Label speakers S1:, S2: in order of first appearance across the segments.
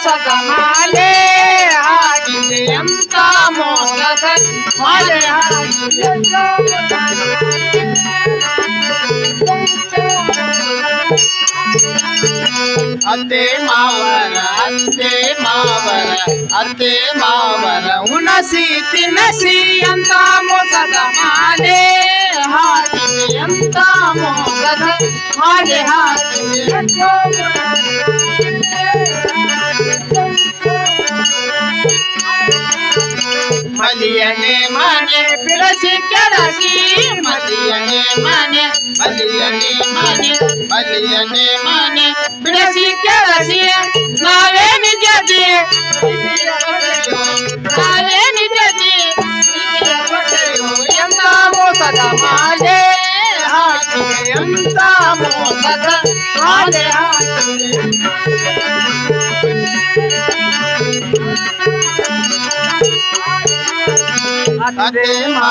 S1: ಮೋಸದ ಮಾಲೆ ಹಾಕಿದೆ ಎಂತ ಮೋಸದ ಮಾಲೆ ಹಾಕಿದೆ ಅತ್ತೆ ಮಾವರ ಉಣಸಿ ತಿನ್ನಸಿ ಅಂತ ಮೋಸದ ಮಾಲೆ ಹಾಕಿದೆ ಎಂತ ಮೋಸದ ಮಾಲೆ ಹಾಕಿದೆ ಮಲಿಯನೆ ಮನೆ ಬಿಡಸಿ ಕೆಡಸಿ ಮಲಿಯನೆ ಮನೆ ಬಿಡಸಿ ಕೆಡಸಿ ನಾವೇ ನಿಜದಿ ಎಂತ ಮೋಸದ ಮಾಲೆ ಹಾಕಿದೆ ಎಂತ ಮೋಸದ ಮಾಲೆ ಹಾಕಿದೆ ಅತ್ತೆ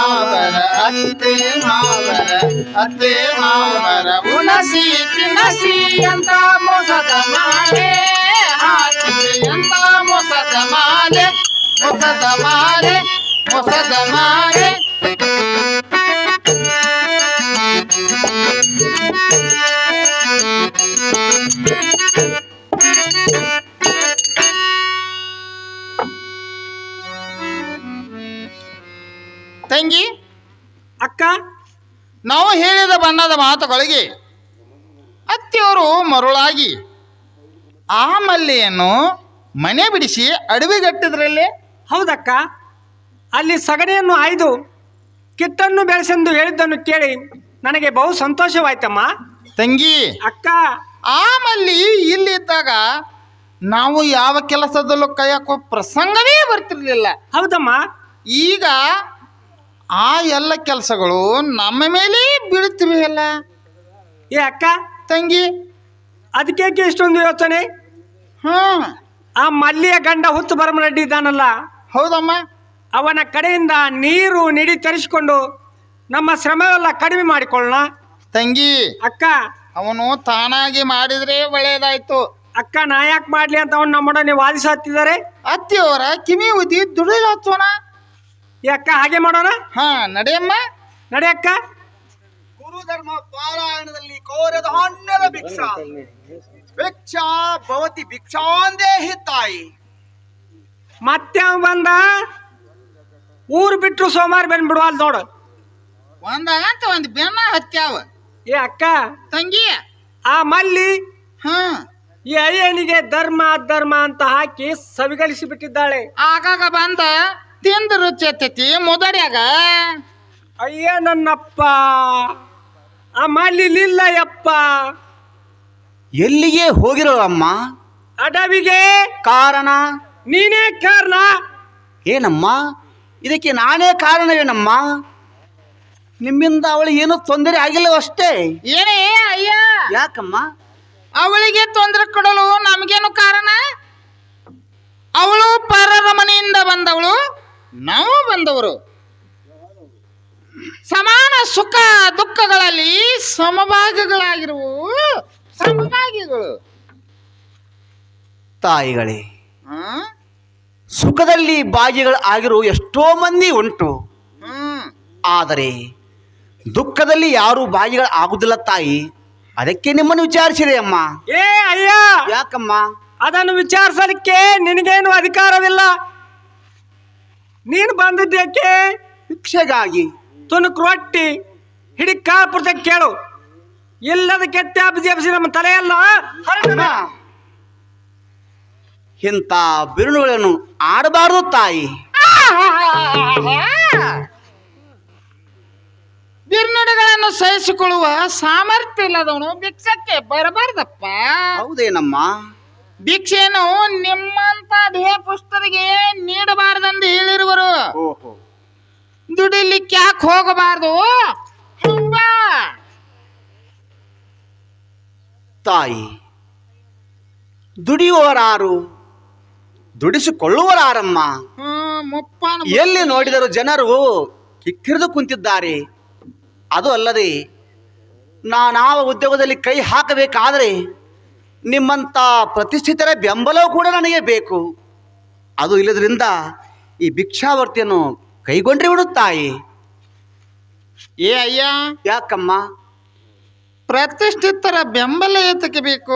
S1: ಮಾವರ ಉಣಸಿ ತಿನ್ನಸಿ ಅಂತ ಮೋಸದ ಮಾಲೆ ಹಾಕಿದೆ ಎಂತ ಮೋಸದ ಮಾಲೆ ತಂಗಿ
S2: ಅಕ್ಕ,
S1: ನಾವು ಹೇಳಿದ ಬಣ್ಣದ ಮಾತುಗಳಿಗೆ ಅತ್ತೆಯವರು ಮರುಳಾಗಿ ಆ ಮಲ್ಲೆಯನ್ನು ಮನೆ ಬಿಡಿಸಿ ಅಡವಿಗಟ್ಟಿದ್ರಲ್ಲೇ.
S2: ಹೌದಕ್ಕ, ಅಲ್ಲಿ ಸಗಣಿಯನ್ನು ಆಯ್ದು ಕಿತ್ತನ್ನು ಬೆಳೆಸೆಂದು ಹೇಳಿದ್ದನ್ನು ಕೇಳಿ ನನಗೆ ಬಹು ಸಂತೋಷವಾಯ್ತಮ್ಮ.
S1: ತಂಗಿ
S2: ಅಕ್ಕ,
S1: ಆ ಮಲ್ಲಿ ಇಲ್ಲಿದ್ದಾಗ ನಾವು ಯಾವ ಕೆಲಸದಲ್ಲೂ ಕೈ ಹಾಕೋ ಪ್ರಸಂಗವೇ ಬರ್ತಿರ್ಲಿಲ್ಲ.
S2: ಹೌದಮ್ಮ.
S1: ಈಗ ಆ ಎಲ್ಲ ಕೆಲಸಗಳು ನಮ್ಮ ಮೇಲೆ ಬೀಳುತ್ತಿವೆ ಅಲ್ಲ.
S2: ಏ ಅಕ್ಕ
S1: ತಂಗಿ,
S2: ಅದಕ್ಕೆ ಇಷ್ಟೊಂದು ಯೋಚನೆ? ಆ ಮಲ್ಲಿಯ ಗಂಡ ಹುತ್ತು ಬರಮರೆಡ್ಡಿ ಇದ್ದಾನಲ್ಲ,
S1: ಹೌದಮ್ಮ,
S2: ಅವನ ಕಡೆಯಿಂದ ನೀರು ನಿಡಿ ತರಿಸಿಕೊಂಡು ನಮ್ಮ ಶ್ರಮವೆಲ್ಲ ಕಡಿಮೆ ಮಾಡಿಕೊಳ್ಳೋಣ.
S1: ತಂಗಿ
S2: ಅಕ್ಕ,
S1: ಅವನು ತಾನಾಗಿ ಮಾಡಿದ್ರೆ ಒಳ್ಳೇದಾಯ್ತು.
S2: ಅಕ್ಕ, ನಾ ಯಾಕೆ ಮಾಡ್ಲಿ ಅಂತ ಅವನು ನಮ್ಮೊಡನೆ ವಾದಿಸುತ್ತಿದ್ದಾರೆ.
S1: ಅತ್ತೆಯವರ ಕಿವಿ ಉದಿ ದುಡಿದಾಚೋಣ.
S2: ಅಕ್ಕ, ಹಾಗೆ ಮಾಡೋಣ.
S1: ನಡೆಯಮ್ಮ,
S2: ನಡೆ ಅಕ್ಕ.
S3: ಗುರುಧರ್ಮ ಪಾರಾಯಣದಲ್ಲಿ ಕೋರದ ಹಣ್ಣದ ಭಿಕ್ಷಾ ಭಿಕ್ಷಾ ಭವತಿ ಭಿಕ್ಷಾಂದೇಹಿ ತಾಯಿ.
S2: ಮತ್ತೆ ಅವ ಬಂದ ಊರು ಬಿಟ್ಟರು ಸೋಮವಾರ ಬಂದ್ಬಿಡುವಲ್ ನೋಡು.
S1: ಒಂದಾಗಂತ ಒಂದು ಬೆನ್ನ ಹತ್ಯಾವ.
S2: ಏ ಅಕ್ಕ,
S1: ತಂಗಿ,
S2: ಆ ಮಲ್ಲಿ ಈ ಅಯ್ಯನಿಗೆ ಧರ್ಮ ಅಧರ್ಮ ಅಂತ ಹಾಕಿ ಸವಿಗಳಿಸಿ ಬಿಟ್ಟಿದ್ದಾಳೆ.
S1: ಆಗಾಗ ಬಂದ ತಿಂದ ರುಚಿ ಎತ್ತೈತಿ ಮುದಡ್ಯಾಗ.
S2: ಅಯ್ಯ ನನ್ನಪ್ಪ, ಆ ಮಲ್ಲಿ ಇಲ್ಲ ಯಪ್ಪ.
S3: ಎಲ್ಲಿಗೆ ಹೋಗಿರೋ ಅಮ್ಮ?
S2: ಅಡವಿಗೆ.
S3: ಕಾರಣ?
S2: ನೀನೇ ಕಾರಣ.
S3: ಏನಮ್ಮ ಇದಕ್ಕೆ? ನಾನೇ ಕಾರಣವೇನಮ್ಮ? ನಿಮ್ಮಿಂದ ಅವಳಿಗೆ ಏನೂ ತೊಂದರೆ ಆಗಿಲ್ಲವಷ್ಟೇ.
S1: ಏನೇ ಅಯ್ಯ?
S3: ಯಾಕಮ್ಮ?
S1: ಅವಳಿಗೆ ತೊಂದರೆ ಕೊಡಲು ನಮಗೇನು ಕಾರಣ? ಅವಳು ಪರರ ಮನೆಯಿಂದ ಬಂದವಳು, ನಾವು ಬಂದವರು. ಸಮಾನ ಸುಖ ದುಃಖಗಳಲ್ಲಿ ಸಮಭಾಗಿಗಳು.
S3: ತಾಯಿಗಳೇ, ಸುಖದಲ್ಲಿ ಭಾಗಿಗಳು ಆಗಿರುವ ಎಷ್ಟೋ ಮಂದಿ ಉಂಟು. ಆದರೆ ದುಃಖದಲ್ಲಿ ಯಾರು ಭಾಗಿಗಳು ಆಗುದಿಲ್ಲ ತಾಯಿ. ಅದಕ್ಕೆ ನಿಮ್ಮನ್ನು ವಿಚಾರಿಸಿದೆ ಅಮ್ಮ.
S2: ಏ ಅಯ್ಯ,
S3: ಯಾಕಮ್ಮ?
S2: ಅದನ್ನು ವಿಚಾರಿಸಲಿಕ್ಕೆ ನಿನಗೇನು ಅಧಿಕಾರವಿಲ್ಲ. ನೀನು ಬಂದಿದ್ದೇಕೆ?
S3: ಭಿಕ್ಷೆಗಾಗಿ.
S2: ತುಣುಕು ರೊಟ್ಟಿ ಹಿಡಿ ಕಾಪುರ್ತ ಕೇಳು. ಇಲ್ಲದ ಕೆತ್ತಾಬಿಸಿ ನಮ್ಮ ತಲೆಯಲ್ಲ.
S3: ಇಂಥ ಬಿರುನುಗಳನ್ನು ಆಡಬಾರದು ತಾಯಿ.
S1: ಬಿರ್ನುಡಿಗಳನ್ನು ಸಹಿಸಿಕೊಳ್ಳುವ ಸಾಮರ್ಥ್ಯ ಇಲ್ಲದವನು ಭಿಕ್ಷಕ್ಕೆ ಬರಬಾರ್ದಪ್ಪ.
S3: ಹೌದೇನಮ್ಮ?
S1: ಭಿಕ್ಷೆಯನ್ನು ನಿಮ್ಮಂತ ದೇಹ ಪುಸ್ತರಿಗೆ ನೀಡಬಾರದೆಂದು ಹೇಳಿರುವರು. ದುಡಿಲಿಕ್ಕೆ ಯಾಕೆ ಹೋಗಬಾರ್ದು?
S3: ತಾಯಿ, ದುಡಿಯುವವರಾರು, ದುಡಿಸಿಕೊಳ್ಳುವರಾರಮ್ಮ. ಎಲ್ಲಿ ನೋಡಿದರೂ ಜನರು ಕಿಕ್ಕಿರಿದು ಕುಂತಿದ್ದಾರೆ. ಅದು ಅಲ್ಲದೆ ನಾನಾವ ಉದ್ಯೋಗದಲ್ಲಿ ಕೈ ಹಾಕಬೇಕಾದರೆ ನಿಮ್ಮಂಥ ಪ್ರತಿಷ್ಠಿತರ ಬೆಂಬಲವೂ ಕೂಡ ನನಗೆ ಬೇಕು. ಅದು ಇಲ್ಲದ್ರಿಂದ ಈ ಭಿಕ್ಷಾವರ್ತಿಯನ್ನು ಕೈಗೊಂಡ್ರೆ ಬಿಡು ತಾಯಿ.
S1: ಏ ಅಯ್ಯ,
S3: ಯಾಕಮ್ಮ?
S1: ಪ್ರತಿಷ್ಠಿತರ ಬೆಂಬಲ ಏತಕ್ಕೆ ಬೇಕು?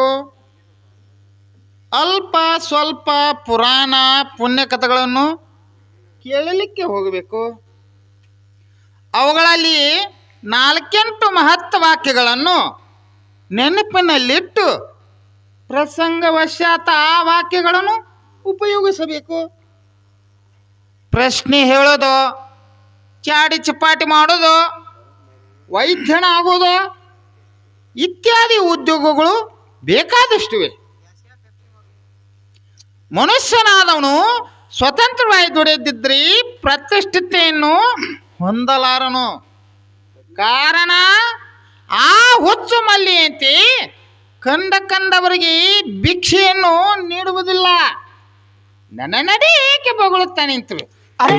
S1: ಅಲ್ಪ ಸ್ವಲ್ಪ ಪುರಾಣ ಪುಣ್ಯ ಕಥೆಗಳನ್ನು ಕೇಳಲಿಕ್ಕೆ ಹೋಗಬೇಕು. ಅವುಗಳಲ್ಲಿ 4-8 ಮಹತ್ವ ವಾಕ್ಯಗಳನ್ನು ನೆನಪಿನಲ್ಲಿಟ್ಟು ಪ್ರಸಂಗವಶಾತ್ ಆ ವಾಕ್ಯಗಳನ್ನು ಉಪಯೋಗಿಸಬೇಕು. ಪ್ರಶ್ನೆ ಹೇಳೋದು, ಚಾಡಿ ಚಪಾಟಿ ಮಾಡೋದು, ವೈದ್ಯನ ಆಗೋದು ಇತ್ಯಾದಿ ಉದ್ಯೋಗಗಳು ಬೇಕಾದಷ್ಟಿವೆ. ಮನುಷ್ಯನಾದವನು ಸ್ವತಂತ್ರವಾಗಿ ದುಡಿಯದಿದ್ದರೆ ಪ್ರತಿಷ್ಠಿತೆಯನ್ನು ಹೊಂದಲಾರನು. ಕಾರಣ ಆ ಹುಚ್ಚು ಮಲ್ಲಿಯಂತೆ ಕಂಡವರಿಗೆ ಭಿಕ್ಷೆಯನ್ನು ನೀಡುವುದಿಲ್ಲ. ನನ್ನ ನಡೆ ಏಕೆ ಬೊಗಳುತ್ತಾ ನಿಂತು?
S3: ಅಮ್ಮ,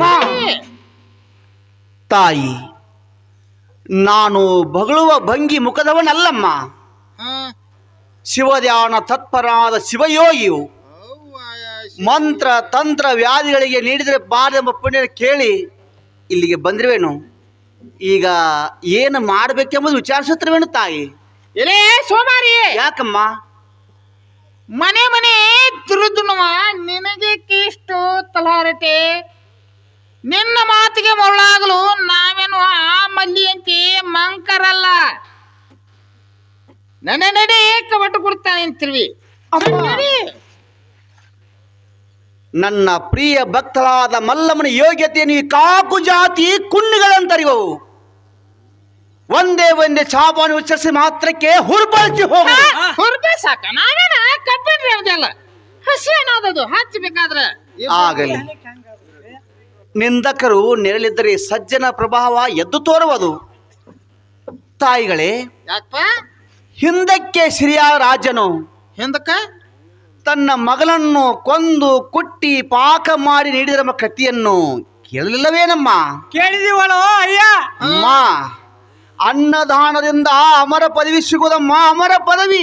S3: ತಾಯಿ, ನಾನು ಬಗಳುವ ಭಂಗಿ ಮುಖದವನಲ್ಲಮ್ಮ. ಶಿವಧ್ಯಾನ ತತ್ಪರಾದ ಶಿವಯೋಗಿಯು ಮಂತ್ರ ತಂತ್ರ ವ್ಯಾಧಿಗಳಿಗೆ ನೀಡಿದರೆ ಬಾರೆಂಬ ಪುಣ್ಯ ಕೇಳಿ ಇಲ್ಲಿಗೆ ಬಂದಿರುವೆನು. ಈಗ ಏನು ಮಾಡಬೇಕೆಂಬುದು ವಿಚಾರಿಸುತ್ತಿರುವೆನು ತಾಯಿ.
S1: ಎಲೇ ಸೋಮಾರಿ,
S3: ಯಾಕಮ್ಮ?
S1: ಮನೆ ಮನೆ ತಿರುದುನುವ ನಿನಗೆ ಇಷ್ಟು ತಲಹರಟೆ? ನಿನ್ನ ಮಾತಿಗೆ ಮರಳಾಗಲು ನಾವೇನು ಆ ಮಲ್ಲಿಯಂತೆ ಮಂಕರಲ್ಲ. ನನ್ನ ನಡೆ ಕವಟು ಕೊಡ್ತಾನೆ ಅಂತಿರ್ವಿ.
S3: ನನ್ನ ಪ್ರಿಯ ಭಕ್ತರಾದ ಮಲ್ಲಮ್ಮನ ಯೋಗ್ಯತೆಯನ್ನು ಈ ಕಾಕು ಜಾತಿ ಕುಣ್ಣಿಗಳಂತರಿವವು. ಒಂದೇ ಚಾಪಾನು ಉಚ್ಚರಿಸಿ ಮಾತ್ರಕ್ಕೆ ಹುರ್ಬಳಿಸಿ ಹೋಗ.
S1: ಹುರ್ಬೆ ಸಾಕ, ನಾವೇನ ಕಬ್ಬಿಣ್ರಿ ಅವದೆಲ್ಲ ಹಸಿ ಅನ್ನೋದದು ಹಚ್ಚಬೇಕಾದ್ರೆ.
S3: ಆಗಲಿ, ನಿಂದಕರು ನೆರಳಿದ್ದರೆ ಸಜ್ಜನ ಪ್ರಭಾವ ಎದ್ದು ತೋರುವುದು. ತಾಯಿಗಳೇ,
S1: ಯಾಕಪ್ಪ
S3: ಹಿಂದಕ್ಕೆ ಸಿರಿಯಾಳ ರಾಜನು
S1: ಹಿಂದಕ್ಕ
S3: ತನ್ನ ಮಗನನ್ನು ಕೊಂದು ಕುಟ್ಟಿ ಪಾಕ ಮಾಡಿ ನೀಡಿದ ಕಥೆಯನ್ನು ಕೇಳಲಿಲ್ಲವೇನಮ್ಮ?
S2: ಕೇಳಿದೀವಳೋ ಅಯ್ಯ.
S3: ಅಮ್ಮ, ಅನ್ನದಾನದಿಂದ ಅಮರ ಪದವಿ ಸಿಗೋದಮ್ಮ, ಅಮರ ಪದವಿ.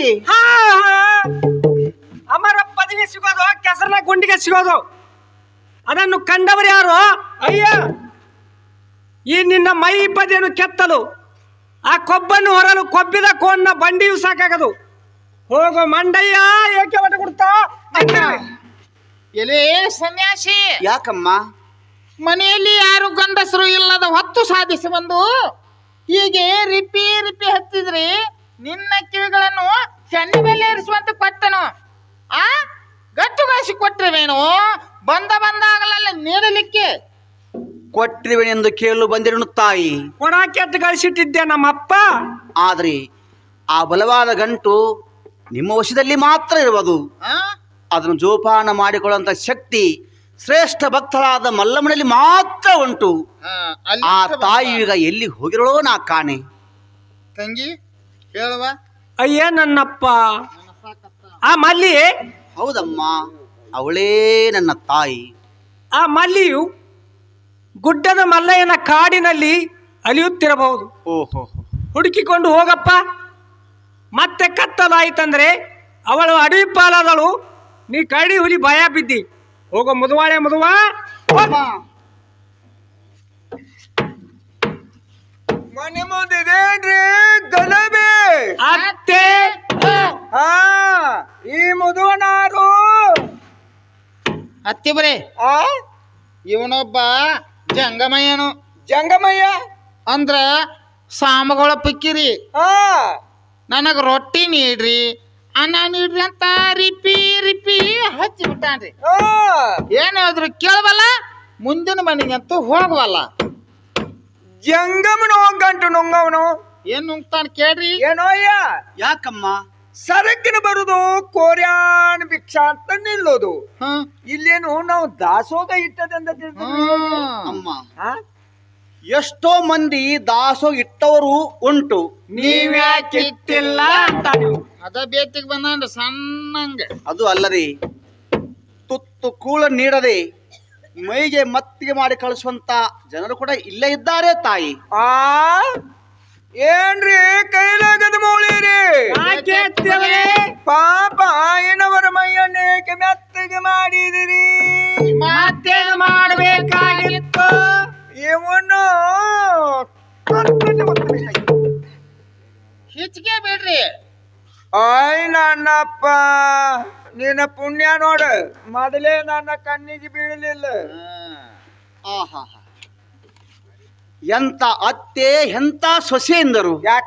S2: ಅಮರ ಪದವಿ ಸಿಗೋದು ಕೆಸರನ ಗುಂಡಿಗೆ ಸಿಗೋದು. ಅದನ್ನು ಕಂಡವರು ಯಾರು ಅಯ್ಯ? ಈ ನಿನ್ನ ಮೈ ಬದಿಯನ್ನು ಕೆತ್ತಲು, ಆ ಕೊಬ್ಬನ್ನು ಹೊರಲು ಕೊಬ್ಬಿದ ಕೋನ್ನ ಬಂಡಿಯೂ ಸಾಕಾಗದು. ಹೋಗೋ ಮಂಡಯ್ಯ, ಏಕೆ ಒಟ್ಟು ಕೊಡ್ತಾ?
S1: ಎಲೇ ಸನ್ಯಾಸಿ,
S3: ಯಾಕಮ್ಮ?
S1: ಮನೆಯಲ್ಲಿ ಯಾರು ಗಂಡಸರು ಇಲ್ಲದ ಹೊತ್ತು ಸಾಧಿಸಿ ಬಂದು ಹೀಗೆ ರಿಪಿ ಹತ್ತಿದ್ರೆ ನಿನ್ನ ಕಿವಿಗಳನ್ನು ಚೆನ್ನ ಮೇಲೆ ಇರಿಸುವಂತ ಕೊಟ್ಟನು. ಆ ಗಟ್ಟುಗಾಸಿ ಕೊಟ್ಟಿರುವೇನು? ಬಂದಾಗಲೆಲ್ಲ ನೀಡಲಿಕ್ಕೆ
S3: ಕೊಟ್ಟಿರುವೆನೆಂದು ಕೇಳಲು ಬಂದಿರನು ತಾಯಿ.
S2: ಕೊಡ ಕೆಟ್ಟು ಗಳಿಸಿಟ್ಟಿದ್ದೆ ನಮ್ಮಪ್ಪ.
S3: ಆದರೆ ಆ ಬಲವಾದ ಗಂಟು ನಿಮ್ಮ ವಶದಲ್ಲಿ ಮಾತ್ರ ಇರುವುದು. ಅದನ್ನು ಜೋಪಾನ ಮಾಡಿಕೊಳ್ಳುವಂತ ಶಕ್ತಿ ಶ್ರೇಷ್ಠ ಭಕ್ತರಾದ ಮಲ್ಲಮ್ಮನಲ್ಲಿ ಮಾತ್ರ ಉಂಟು. ಆ ತಾಯಿ ಈಗ ಎಲ್ಲಿ ಹೋಗಿರೋಳೋ ನಾ ಕಾಣೆ.
S1: ತಂಗಿ ಹೇಳುವ.
S2: ಅಯ್ಯ ನನ್ನಪ್ಪ, ಆ ಮಲ್ಲಿ.
S3: ಹೌದಮ್ಮ, ಅವಳೇ ನನ್ನ ತಾಯಿ.
S2: ಆ ಮಲ್ಲಿಯು ಗುಡ್ಡದ ಮಲ್ಲಯ್ಯನ ಕಾಡಿನಲ್ಲಿ ಅಲಿಯುತ್ತಿರಬಹುದು.
S3: ಓಹೋ,
S2: ಹುಡುಕಿಕೊಂಡು ಹೋಗಪ್ಪ. ಮತ್ತೆ ಕತ್ತಲಾಯಿತಂದ್ರೆ ಅವಳು ಅಡವಿ ಪಾಲಾದಳು, ನೀ ಕರಡಿ ಹುಲಿ ಭಯ ಬಿದ್ದಿ. ಹೋಗೋ ಮುದುವಾಳೆ ಮುದುವ.
S4: ಮನೆ ಮುಂದಿದೇನ್ರಿ ಗಲಭೆ?
S2: ಅತ್ತೆ,
S4: ಹಾ, ಈ ಮುದುವನಾರು
S1: ಅತ್ತಿ ಬರೇ.
S4: ಆ
S1: ಇವನೊಬ್ಬ ಜಂಗಮಯ್ಯನು.
S4: ಜಂಗಮಯ್ಯ
S1: ಅಂದ್ರ ಸಾಮಗಳ ಪಿಕ್ಕಿರಿ.
S4: ಹಾ,
S1: ನನಗ ರೊಟ್ಟಿ ನೀಡ್ರಿ, ಅನ್ನ ನೀಡ್ರಿ ಅಂತ ರಿಪಿ ಹಚ್ಚಿ ಬಿಟ್ಟಾನ್ರಿ.
S4: ಹಾ,
S1: ಏನ್ ಹೇಳಿದ್ರು ಕೇಳವಲ್ಲ, ಮುಂದಿನ ಮನೆಗಂತೂ ಹೋಗವಲ್ಲ.
S4: ಜಂಗಮನು ಗಂಟು ನುಂಗವನು.
S1: ಏನ್ ನುಂಗ್ತಾನ ಕೇಳ್ರಿ.
S4: ಏನೋ ಅಯ್ಯ,
S3: ಯಾಕಮ್ಮ?
S4: ಸರಕಿನ ಬರುದು ಕೋರ್ಯಾನ್ ಭಿಕ್ಷಾ ಅಂತ ನಿಲ್ಲೋದು.
S1: ಹ್ಮ್
S4: ಇಲ್ಲೇನು ನಾವು ದಾಸೋಗ ಇಟ್ಟದಂತ
S3: ಅಮ್ಮ, ಎಷ್ಟೋ ಮಂದಿ ದಾಸೋ ಇಟ್ಟವರು ಉಂಟು.
S2: ನೀವ್ಯಾಕೆ ಇಟ್ಟಿಲ್ಲ ಅಂತ ನೀವು.
S1: ಅದ ಬೇತಿಗೆ ಬಂದ ಸಣ್ಣಂಗ.
S3: ಅದು ಅಲ್ಲದೆ ತುತ್ತು ಕೂಳ ನೀಡದೆ ಮೈಗೆ ಮತ್ತಿಗೆ ಮಾಡಿ ಕಳಿಸುವಂತ ಜನರು ಕೂಡ ಇಲ್ಲೇ ಇದ್ದಾರೆ ತಾಯಿ.
S4: ಆ ಏನ್ರಿ ಕೈಲಾಗದ ಮೌಳಿರಿ
S2: ಯಾಕೆ ಅತ್ತಿಯವರೇ?
S4: ಪಾಪ ಏನವರ ಮೈಯನ್ನೇಕೆ ಮೆತ್ತಗೆ ಮಾಡಿದಿರಿ
S2: ಮತ್ತೇನು ಮಾಡಬೇಕಾಗಿತ್ತು?
S4: ಇವನು
S1: ಹೆಚ್ಚಿಗೆ ಬೇಡ್ರಿ.
S4: ಆಯ್ ನನ್ನಪ್ಪ ನಿನ್ನ ಪುಣ್ಯ ನೋಡು ಮೊದಲೇ ನನ್ನ ಕಣ್ಣಿಗೆ ಬೀಳಲಿಲ್ಲ.
S3: ಆಹಾ, ಎಂತ ಅತ್ತೆ ಎಂತ ಸೊಸೆಯಂದರು.
S4: ಯಾಕ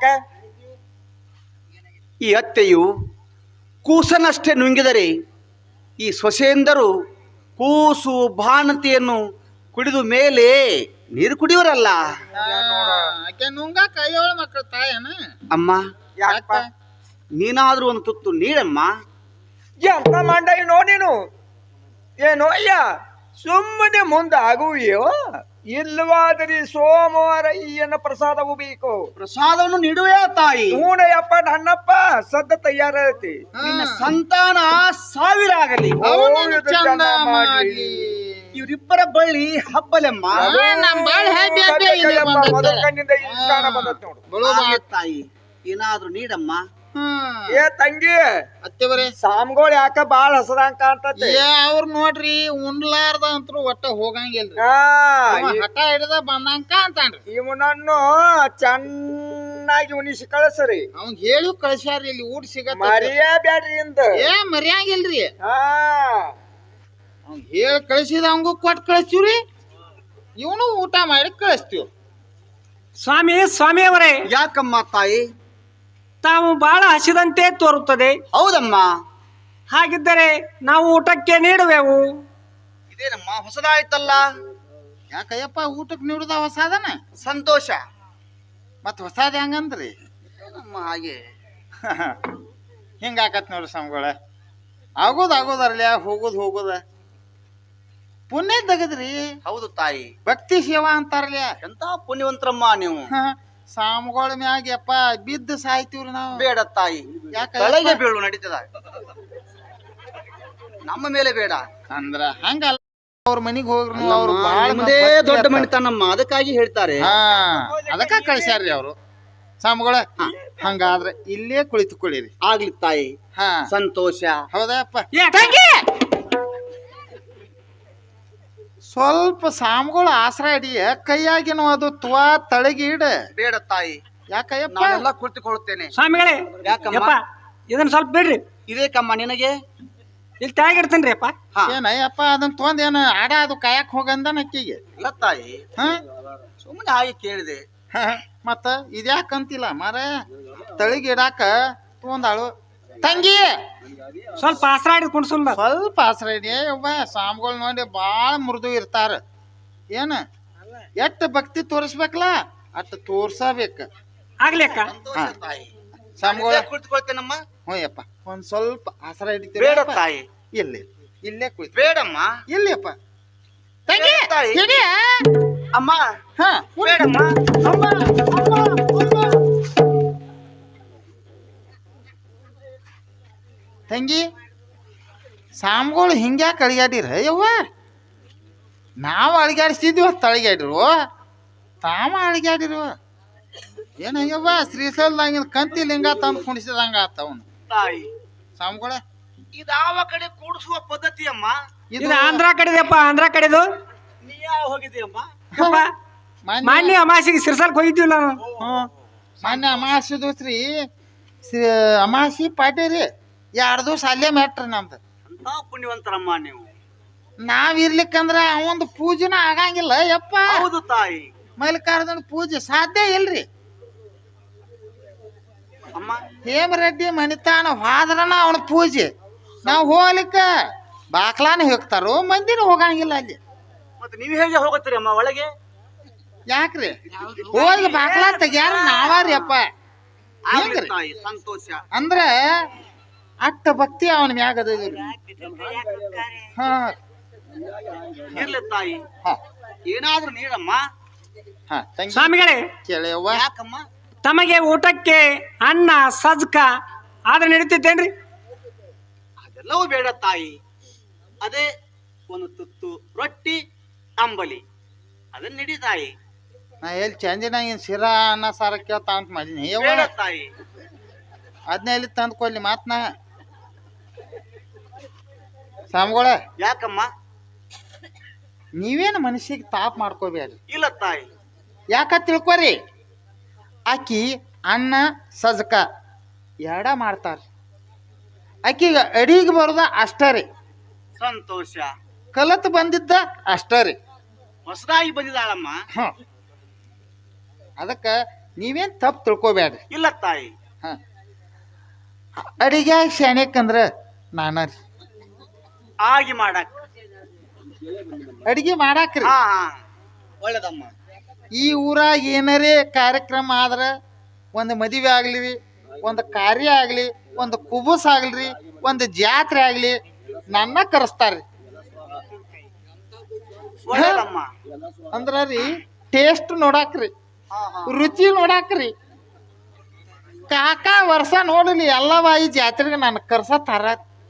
S3: ಈ ಅತ್ತೆಯು ಕೂಸನಷ್ಟೇ ನುಂಗಿದರೆ ಈ ಸೊಸೆಯಂದರು ಕೂಸು ಬಾಣತಿಯನ್ನು ಕುಡಿದು ಮೇಲೆ ನೀರು ಕುಡಿಯವರಲ್ಲ.
S1: ಆಕೆ ನುಂಗ ಕೈಯೋಳ ಮಕ್ಕಳ ತಾಯನ.
S3: ಅಮ್ಮ,
S4: ಯಾಕಪ್ಪ
S3: ನೀನಾದ್ರೂ ಒಂದು ತುತ್ತು ನೀಡಮ್ಮ.
S4: ಎಂತ ಮಂಡ ಏನೋ ನೀನು ಏನೋ ಅಯ್ಯ ಸುಮ್ಮನೆ ಮುಂದಾಗುವಿಯೋ ಇಲ್ಲವಾದರೆ ಸೋಮವಾರ ಈಯನ ಪ್ರಸಾದವು ಬೇಕು.
S3: ಪ್ರಸಾದವನ್ನು ನೀಡುವೆ ತಾಯಿ.
S4: ಹೂನಯ್ಯಪ್ಪ ನನ್ನಪ್ಪ ಸದ್ದ ತಯಾರೈತಿ.
S3: ನಿನ್ನ ಸಂತಾನ ಸಾವಿರ ಆಗಲಿ.
S1: ಅವನನ್ನು ಚಂದ ಮಾಡ್ಲಿ.
S3: ಇವರಿಬ್ಬರ ಬಳ್ಳಿ ಹಬ್ಬಲೆಮ್ಮ.
S1: ನಮ್ ಬಾಳ್ happy happy ಆಗಿದೆ ಬಂದದ್ದು.
S4: ಮೊದಲ ಕಣ್ಣಿಂದ ಈ ಕಾಣ ಬಂದತ್ ನೋಡು.
S3: ಹಾಗೆ ತಾಯಿ, ಏನಾದ್ರೂ ನೀಡಮ್ಮ.
S4: ಏ ತಂಗಿ
S1: ಅತ್ತೆವರೇ,
S4: ಸಾಮ್ಗೋಳ್ ಯಾಕ ಬಾಳ ಹಸದಂಗ ಕಾಣ್ತತಿ.
S1: ಅವ್ರ ನೋಡ್ರಿ ಉಣ್ಲಾರ್ದ ಅಂತೂ ಒಟ್ಟ ಹೋಗಂಗಿಲ್ರಿ. ಅವ ಹಠ ಹಿಡ್ದ ಬಂದಂಕ ಅಂತಾನ್ರಿ.
S4: ಇವನನ್ನು ಚೆನ್ನಾಗಿ ಉಣಿಸಿ ಕಳಿಸ್ರಿ.
S1: ಅವಂಗ ಹೇಳಿ ಕಳ್ಸ್ಯಾರ್ರಿ, ಇಲ್ಲಿ ಊಟ ಸಿಗತ್ತ.
S4: ಮರಿಯೇ ಬ್ಯಾಡ್ರಿ ಇಂದ.
S1: ಮರ್ಯಾಂಗಿಲ್ರಿ.
S4: ಹಾ
S1: ಅವ್ನ್ ಹೇಳಿ ಕಳಿಸಿದ ಅವಂಗೂ ಕೊಟ್ಟು ಕಳಿಸ್ತೀವ್ರಿ, ಇವನು ಊಟ ಮಾಡಿ ಕಳಿಸ್ತೀವಿ.
S2: ಸ್ವಾಮಿಯವರೇ,
S3: ಯಾಕಮ್ಮ ತಾಯಿ?
S2: ತಾವು ಬಹಳ ಹಸಿದಂತೆ ತೋರುತ್ತದೆ.
S3: ಹೌದಮ್ಮ.
S2: ಹಾಗಿದ್ದರೆ ನಾವು ಊಟಕ್ಕೆ ನೀಡುವೆವು.
S3: ಇದೇನಮ್ಮ ಹೊಸದಾಯ್ತಲ್ಲ.
S1: ಯಾಕಯ್ಯಪ್ಪ ಊಟಕ್ಕೆ ನೀಡುದ ಹೊಸಾದನ?
S3: ಸಂತೋಷ.
S1: ಮತ್ ಹೊಸಾದ ಹೆಂಗಂದ್ರಿ?
S3: ಏನಮ್ಮ ಹಾಗೆ
S1: ಹಿಂಗಾಕತ್ ನೋಡ್ರಿ ಸ್ವಾಮಿಗಳ. ಆಗೋದರ್ಲಿ, ಹೋಗುದ ಪುಣ್ಯ ತಗದ್ರಿ.
S3: ಹೌದು ತಾಯಿ,
S1: ಭಕ್ತಿ ಸೇವಾ ಅಂತಾರಲ್ಲ.
S3: ಎಂತ ಪುಣ್ಯವಂತರಮ್ಮ ನೀವು.
S1: ಸ್ವಾಮಿಗಳ ಮ್ಯಾಗ ಯಪ್ಪ ಬಿದ್ದು ಸಾಯ್ತೀವ್ರಿ ನಾವು.
S3: ಬೇಡ ತಾಯಿ,
S1: ಯಾಕ
S3: ತಲೆಗೆ ಬೀಳು ನಡೀತದ, ನಮ್ಮ ಮೇಲೆ ಬೇಡ.
S1: ಅಂದ್ರ ಹಂಗಲ್ಲ, ಅವ್ರ ಮನಿಗ್ ಹೋಗ್ರಿ ನೀವು. ಅವ್ರು ಬಾಳ
S3: ನಿಮ್ಮದೇ ದೊಡ್ಡ ಮಣಿತನಮ್ಮ, ಅದಕ್ಕಾಗಿ ಹೇಳ್ತಾರೆ.
S1: ಅದಕ್ಕ ಕಳ್ಸ್ಯಾರ್ರಿ ಅವ್ರು ಸ್ವಾಮಿಗಳ. ಹಂಗಾದ್ರೆ ಇಲ್ಲೇ ಕುಳಿತುಕೊಳ್ಳಿರಿ.
S3: ಆಗ್ಲಿ ತಾಯಿ, ಸಂತೋಷ.
S1: ಹೌದಪ್ಪ.
S2: ಏ ತಂಗಿ,
S1: ಸ್ವಲ್ಪ ಸ್ವಾಮಿಗಳು ಆಸರ ಇಡಿ, ಕೈಯಾಗಿನ ಅದು ತುವಾ ತಳಗಿಡ.
S3: ಬೇಡ ತಾಯಿ,
S1: ಯಾಕಯ್ಯಪ್ಪ?
S3: ನಾನೆಲ್ಲ ಕುಳಿತುಕೊಳ್ಳುತ್ತೇನೆ.
S2: ಸ್ವಾಮಿಗಳೇ,
S3: ಯಾಕಮ್ಮ?
S2: ಯಪ್ಪ ಇದನ್ನ ಸ್ವಲ್ಪ ಬಿಡ್ರಿ.
S3: ಇದೇಕಮ್ಮ ನಿನಗೆ?
S2: ಇಲ್ಲಿ ತೆಳಗಿಡ್ತೇನ್ರಿ ಅಪ್ಪ.
S3: ಹಾ.
S1: ಏನಯ್ಯಪ್ಪ ಅದನ್ನ ತೊಂದ್ ಏನ ಆಡ ಅದು ಕಾಯಕ್ ಹೋಗಂದ ನಕ್ಕಿಗೆ.
S3: ಇಲ್ಲ ತಾಯಿ, ಸುಮ್ಮನೆ ಹಾಗೆ ಕೇಳಿದೆ.
S1: ಮತ್ತ ಇದ್ಯಾಕಂತಿಲ್ಲ ಮಾರ, ತಳಿಗಿಡಾಕ ತೊಂದಾಳು ತಂಗಿ.
S2: ಸ್ವಲ್ಪ ಆಸರಾಡಿ ಕುಣ್ಸುಲ್ಲ.
S1: ಸ್ವಲ್ಪ ಆಸರ ಇಡಿ ಒಬ್ಬ. ಸ್ವಾಮಿಗಳು ನೋಡಿ ಬಾಳ ಮೃದು ಇರ್ತಾರ. ಏನ ಎಷ್ಟ ಭಕ್ತಿ ತೋರಿಸ್ಬೇಕಲ್ಲ ಅಷ್ಟ ತೋರ್ಸಬೇಕ.
S2: ಆಗ್ಲಿ ಅಕ್ಕ.
S3: ಸಂತೋಷ ತಾಯಿ.
S1: ಸ್ವಾಮಿಗಳ
S3: ಕುಳಿತುಕೊಳ್ತೇನಮ್ಮ.
S1: ಹ್ಞೂಯಪ್ಪ, ಒಂದ್ ಸ್ವಲ್ಪ ಆಸರ ಹಿಡಿತೀವಿ.
S3: ಬೇಡ ತಾಯಿ,
S1: ಇಲ್ಲೇ ಕುಳಿತು.
S3: ಬೇಡಮ್ಮ.
S1: ಇಲ್ಲಿಯಪ್ಪ ತಂಗಿ
S3: ಬೇಡ ತಾಯಿ.
S1: ಹಿಡಿಯ.
S3: ಅಮ್ಮ,
S1: ಹಾ
S3: ಬೇಡಮ್ಮ.
S1: ತಂಗಿ, ಸ್ವಾಮಿಗಳು ಹಿಂಗ್ಯಾಕೆ ಅಳಿಗಾಡಿರ ಯವ್ವ? ನಾವು ಅಳಿಗಾಡಿಸ್ತಿದ್ವಿ, ತಳಿಗಾಡಿರು ತಾವ ಅಳಿಗಾಡಿರು. ಏನಯ್ಯವ್ವ, ಶ್ರೀಶೈಲದಾಗಿನ ಕಂತಿ ಲಿಂಗ ತಂದು ಕುಣಿಸಿದಂಗ ಆತ ಅವನು.
S3: ತಾಯಿ,
S1: ಸ್ವಾಮಿಗಳ
S3: ಇದಾವ ಕಡೆ ಕೂಡಿಸುವ ಪದ್ಧತಿ ಅಮ್ಮ.
S2: ಇದು ಆಂಧ್ರ ಕಡೆದಪ್ಪ, ಆಂಧ್ರ ಕಡೆದು.
S3: ನೀ ಯಾವ ಹೋಗಿದ್ದೀಯಮ್ಮ?
S2: ಯಪ್ಪ, ಮಾನ್ಯ ಅಮಾಸಿಗೆ ಸಿರ್ಸಲ್ಕ್ ಹೋಗಿದ್ವಿ ನಾವು.
S1: ಮೊನ್ನೆ ಅಮಾಸಿ ದೋಸ್ರಿ, ಅಮಾಸಿ ಪಾಟೇರಿ 2 ದಿವಸ ಅಲ್ಲೇ ಮ್ಯಾಟ್ರಿ ನಮ್ದು.
S3: ಎಂತ ಪುಣ್ಯವಂತರಮ್ಮ ನೀವು.
S1: ನಾವಿರ್ಲಿಕ್ಕಂದ್ರ ಅವಂದು ಪೂಜೆನ ಆಗಂಗಿಲ್ಲ ಯಪ್ಪ.
S3: ಹೌದು ತಾಯಿ.
S1: ಮಲ್ಲಿಕಾರ್ಜುನ ಪೂಜೆ ಸಾಧ್ಯ ಇಲ್ರಿ.
S3: ಅಮ್ಮ,
S1: ಹೇಮರೆಡ್ಡಿ ಮನಿತಾನ ಹೋದ್ರನ ಅವನ ಪೂಜೆ. ನಾವು ಹೋಗ್ಲಿಕ್ಕ ಬಾಕ್ಲಾನ ಹೋಗ್ತಾರೋ, ಮಂದಿನ ಹೋಗಂಗಿಲ್ಲ ಅಲ್ಲಿ.
S3: ಮತ್ತೆ ನೀವು ಹೇಗೆ ಹೋಗುತ್ತೀರಿ ಅಮ್ಮ ಒಳಗೆ?
S1: ಯಾಕ್ರಿ? ಹೋಗಿ ಬಾಕ್ಲಾ ತೆಗ್ಯಾರ ನಾವಾರಿ ಅಪ್ಪ.
S3: ಆಗ್ಲಿ ತಾಯಿ, ಸಂತೋಷ.
S1: ಅಂದ್ರ ಅಟ್ಟ ಭಕ್ತಿ ಅವನ ಮ್ಯಾಗ ಅದ. ಹಾ
S3: ಇರ್ಲಿ ತಾಯಿ,
S1: ಹಾ
S3: ಏನಾದ್ರೂ ನೀಡಮ್ಮ.
S1: ಹಾ ತಂಗಿ
S2: ಸ್ವಾಮಿಗಳೇ,
S1: ಕೇಳವ್ವ.
S3: ಯಾಕಮ್ಮ?
S2: ತಮಗೆ ಊಟಕ್ಕೆ ಅನ್ನ ಸಜ್ಕ ಆದ್ರೆ ನಡೀತೈತೇನ್ರಿ?
S3: ಅದೆಲ್ಲವೂ ಬೇಡ ತಾಯಿ. ಅದೇ ಒಂದು ತುತ್ತು ರೊಟ್ಟಿ ಅಂಬಲಿ ಅದನ್ನ ನಡಿ ತಾಯಿ.
S1: ನಾ ಎಲ್ಲಿ ಚಂದಿನಾಗಿನ ಶಿರಾ ಅನ್ನ ಸಾರ ಕೇಳ್ತಾ ಅಂತ ಮಾಡೀನಿ ಯವ್ವ
S3: ಬೇಡ ತಾಯಿ.
S1: ಅದನ್ನ ಎಲ್ಲಿ ತಂದ್ಕೊಡ್ಲಿ ಮಾತ್ನ ಸ್ವಾಮಿಗಳ
S3: ಯಾಕಮ್ಮ?
S1: ನೀವೇನು ಮನುಷ್ಯಗೆ ತಾಪ್ ಮಾಡ್ಕೋಬೇಡ್ರಿ.
S3: ಇಲ್ಲ ತಾಯಿ.
S1: ಯಾಕ ತಿಳ್ಕೊರಿ, ಆಕಿ ಅನ್ನ ಸಜ್ಕ ಎರಡ ಮಾಡ್ತಾರ. ಆಕಿಗೆ ಅಡಿಗೆ ಬರೋದ ಅಷ್ಟ ರೀ,
S3: ಸಂತೋಷ.
S1: ಕಲತ್ ಬಂದಿದ್ದ ಅಷ್ಟ ರೀ.
S3: ಹೊಸದಾಗಿ ಬಂದಿದ್ದಾಳಮ್ಮ.
S1: ಹ ಅದಕ್ಕೆ ನೀವೇನು ತಪ್ಪು ತಿಳ್ಕೊಬೇಡ್ರಿ.
S3: ಇಲ್ಲ ತಾಯಿ.
S1: ಹ ಅಡಿಗೆ ಶಾಣ್ಯಕ್ಕಂದ್ರ ನಾನ ರೀ.
S3: ಆಗಿ ಮಾಡಕ್
S1: ಅಡಿಗೆ ಮಾಡಾಕ್ರಿ.
S3: ಹಾ ಹಾ ಒಳ್ಳೇದಮ್ಮ.
S1: ಈ ಊರಾಗ ಏನಾರೇ ಕಾರ್ಯಕ್ರಮ ಆದ್ರೆ, ಒಂದು ಮದುವೆ ಆಗ್ಲಿ, ಒಂದು ಕಾರ್ಯ ಆಗಲಿ, ಒಂದು ಕುಬುಸ್ ಆಗಲ್ರಿ, ಒಂದು ಜಾತ್ರೆ ಆಗಲಿ, ನನ್ನ ಕರೆಸ್ತಾರ್ರಿ.
S3: ಒಳ್ಳೇದಮ್ಮ.
S1: ಅಂದ್ರ ರೀ ಟೇಸ್ಟ್ ನೋಡಾಕ್ರಿ, ರುಚಿ ನೋಡಾಕ್ರಿ. ಕಾಕ ವರ್ಷ ನೋಡಲಿ ಎಲ್ಲವ ಈ ಜಾತ್ರೆಗೆ ನನ್ನ ಕರ್ಸತ್ತಾರ.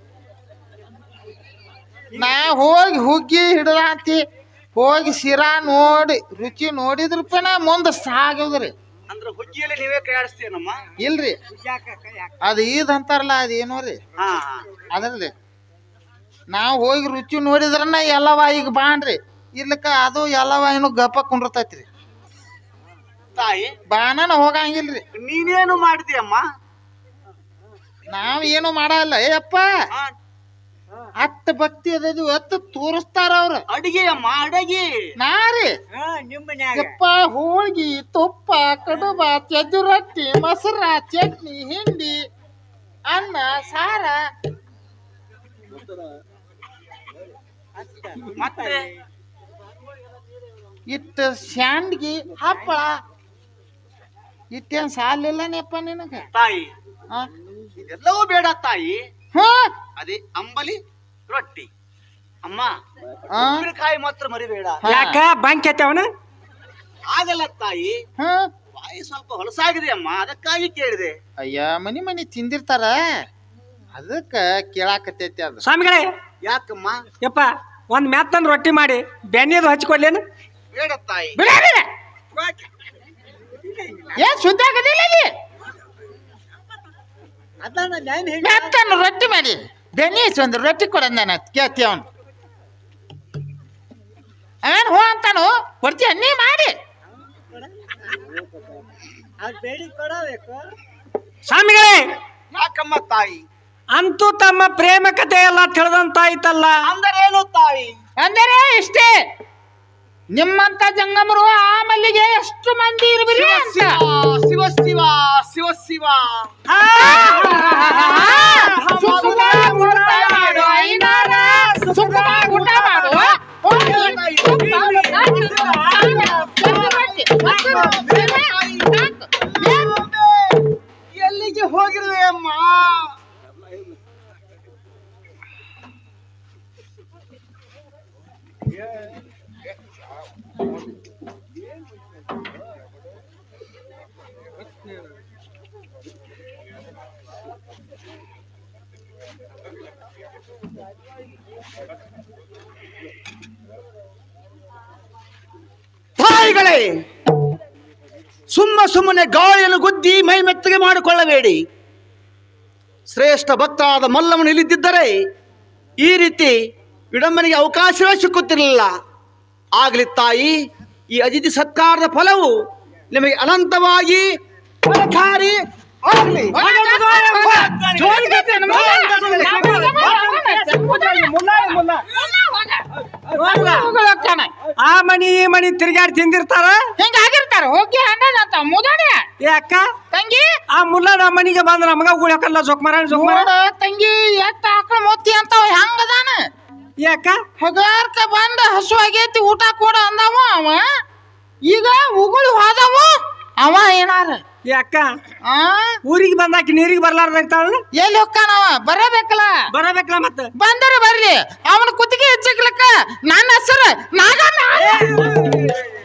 S1: ನಾ ಹೋಗಿ ಹುಗ್ಗಿ ಹಿಡ್ದಾಂತಿ ಹೋಗಿ ಶಿರಾ ನೋಡಿ ರುಚಿ ನೋಡಿದ್ರಪ್ಪ ನಾ ಮುಂದೆ ಸಾಗೋದ್ರಿ.
S3: ಅಂದ್ರೆ ಹುಗ್ಗಿಯಲ್ಲಿ ನೀವೇ ಕೈ ಆಡಿಸ್ತೀನಮ್ಮ?
S1: ಇಲ್ರಿ, ಅದು ಈದ್ ಅಂತಾರಲ್ಲ ಅದೇನೋ ರೀ,
S3: ಹಾ ಹಾ
S1: ಅದ್ರಲ್ಲಿ ನಾವು ಹೋಗಿ ರುಚಿ ನೋಡಿದ್ರನ್ನ ಎಲ್ಲವ ಈಗ ಬಾಣ್ರಿ. ಇರ್ಲಿಕ್ಕ ಅದು ಎಲ್ಲವ ಏನು ಗಪ್ಪ ಕುಂಡಿರ್ತೈತ್ರಿ.
S3: ತಾಯಿ,
S1: ಬಾನನ ಹೋಗಂಗಿಲ್ರಿ.
S3: ನೀನೇನು ಮಾಡಿದ್ಯಮ್ಮ?
S1: ನಾವ್ ಏನು ಮಾಡಲ್ಲ. ಏಯಪ್ಪ
S3: ಹಾ,
S1: ಅಟ್ಟ ಭಕ್ತಿ ಅದದು ಅತ್ತ ತೋರಿಸ್ತಾರ ಅವ್ರ.
S3: ಅಡಿಗೆ ಅಮ್ಮ, ಅಡಗಿ.
S1: ನಾ ರೀ ಯಪ್ಪ ಹೋಳ್ಗಿ, ತುಪ್ಪ, ಕಡುಬ, ಚಜ್ಜು ರೊಟ್ಟಿ, ಮೊಸರ, ಚಟ್ನಿ, ಹಿಂಡಿ, ಅನ್ನ, ಸಾರ,
S3: ಮತ್ತೆ
S1: ಇಟ್ಟ ಶಾಂಡ್ಗಿ, ಹಪ್ಪಳ, ಇಟ್ಟೇನ್ ಸಾಲಿಲ್ಲನೇಪ್ಪ ನಿನಗ.
S3: ತಾಯಿ,
S1: ಆ?
S3: ಇದೆಲ್ಲವೂ ಬೇಡ ತಾಯಿ.
S1: ಹಾ
S3: ಅದೇ ಅಂಬಲಿ ರೊಟ್ಟಿ ಅಮ್ಮ.
S1: ಆ?
S3: ಉಪ್ಪಿನಕಾಯಿ ಮಾತ್ರ ಮರಿಬೇಡ.
S2: ಯಾಕ ಬಂಕ್ ಅವನ?
S3: ಆಗಲ್ಲ ತಾಯಿ,
S1: ಹಾ
S3: ಬಾಯಿ ಸ್ವಲ್ಪ ಹೊಲಸಾಗಿದೆ ಅಮ್ಮ, ಅದಕ್ಕಾಗಿ ಕೇಳಿದೆ.
S1: ಅಯ್ಯ ಮನಿ ಮನಿ ತಿಂದಿರ್ತಾರ, ಅದಕ್ಕ ಕೇಳಾಕತ್ತೈತಿ ಅದು.
S2: ಸ್ವಾಮಿಗಳೇ,
S3: ಯಾಕಮ್ಮ?
S2: ಯಪ್ಪ ಒಂದ್ ಮ್ಯಾತ್ತಂದ್ ರೊಟ್ಟಿ ಮಾಡಿ ಬೆಣ್ಣೆದು ಹಚ್ಕೊಡ್ಲೇನು?
S3: ಬೇಡ ತಾಯಿ.
S1: ಬಿಡ ಏನ್ ಸುದ್ದ ಆಗದಿಲ್ಲ ಇಲ್ಲಿ. ಮೆತ್ತನ ರೊಟ್ಟಿ ಮಾಡಿ ಬೆನೀಸ್ ಒಂದು ರೊಟ್ಟಿ ಕೊಡೋದ್ ನಾನು ಕೇಳ್ತಿ. ಅವನು ಅವನ್ ಹೋ ಅಂತಾನು ಕೊಡ್ತೀಯ ನೀ ಮಾಡಿ.
S2: ಸ್ವಾಮಿಗಳೇ,
S3: ಯಾಕಮ್ಮ ತಾಯಿ?
S2: ಅಂತೂ ತಮ್ಮ ಪ್ರೇಮ ಕಥೆ ಎಲ್ಲ ತಿಳಿದಂತಾಯ್ತಲ್ಲ.
S3: ಅಂದರೇನು ತಾಯಿ?
S1: ಅಂದರೆ ಇಷ್ಟೇ, ನಿಮ್ಮಂತ ಜಂಗಮರು ಆ ಮಲ್ಲಿಗೆ ಎಷ್ಟು ಮಂದಿ ಇರ್ಬಿರಿ ಅಂತ.
S3: ಶಿವ ಶಿವ ಶಿವ ಶಿವ.
S1: ಸುಖವಾಗಿ ಊಟ ಮಾಡು ಐನಾರ, ಸುಖವಾಗಿ ಊಟ ಮಾಡು.
S3: ಎಲ್ಲಿಗೆ ಹೋಗಿರುವೆ ಅಮ್ಮ? ತಾಯಿಗಳೇ, ಸುಮ್ಮನೆ ಗಾಳಿಯನ್ನು ಗುದ್ದಿ ಮೈ ಮೆತ್ತಗೆ ಮಾಡಿಕೊಳ್ಳಬೇಡಿ. ಶ್ರೇಷ್ಠ ಭಕ್ತರಾದ ಮಲ್ಲಮ್ಮನು ಇಲ್ಲಿದ್ದರೆ ಈ ರೀತಿ ವಿಡಂಬನೆಗೆ ಅವಕಾಶವೇ ಸಿಕ್ಕುತ್ತಿರಲಿಲ್ಲ. ಆಗಲಿ ತಾಯಿ, ಈ ಅತಿಥಿ ಸತ್ಕಾರದ ಫಲವು ನಿಮಗೆ ಅನಂತವಾಗಿ ಫಲಕಾರಿ ಆಗಲಿ.
S2: ಆ ಮನಿ ಈ ಮನಿ ತಿರ್ಗಾಡಿ ತಿಂದಿರ್ತಾರ,
S1: ಹಿಂಗಾಗಿರ್ತಾರ. ಹೋಗಿ ಅಂದಂತ ಮುದಾಡಿ
S2: ಯಾಕ
S1: ತಂಗಿ
S2: ಆ ಮುಲ್ಲ ನಮ್ಮ ಮನಿಗೆ ಬಂದ್ರ ನಮಗ ಉಳ್ಯಾಕಲ್ಲ ಜೋಕ್ಮಾರ
S1: ನೋಡ ತಂಗಿ ಎತ್ತ ಆಕಳ ಮೊತ್ತಿ ಅಂತಾವ ಹೆಂಗದಾನ.
S2: ಯಾಕ
S1: ಹಗಾರ್ಕ ಬಂದ ಹಸು ಆಗೈತಿ ಊಟ ಕೊಡ ಅಂದವ ಅವ. ಈಗ ಉಗುಳು ಹೋದವ ಅವ ಏನಾರ.
S2: ಯಾಕ
S1: ಆ
S2: ಊರಿಗೆ ಬಂದಾಕಿ ನೀರಿಗೆ ಬರ್ಲಾರ್ದಾಗ್ತಾಳ.
S1: ಎಲ್ಲಿ ಹೋಗ್ಕಾನವ ಬರಬೇಕಲ್ಲ.
S2: ಬರಬೇಕಲ್ಲ ಮತ್ತ
S1: ಬಂದರ ಬರ್ಲಿ, ಅವನ ಕುತ್ತಿಗೆ ಹೆಚ್ಚಕ್ಲಕ್ಕ ನನ್ನ ಹೆಸರು ನಾಗಣ್ಣ.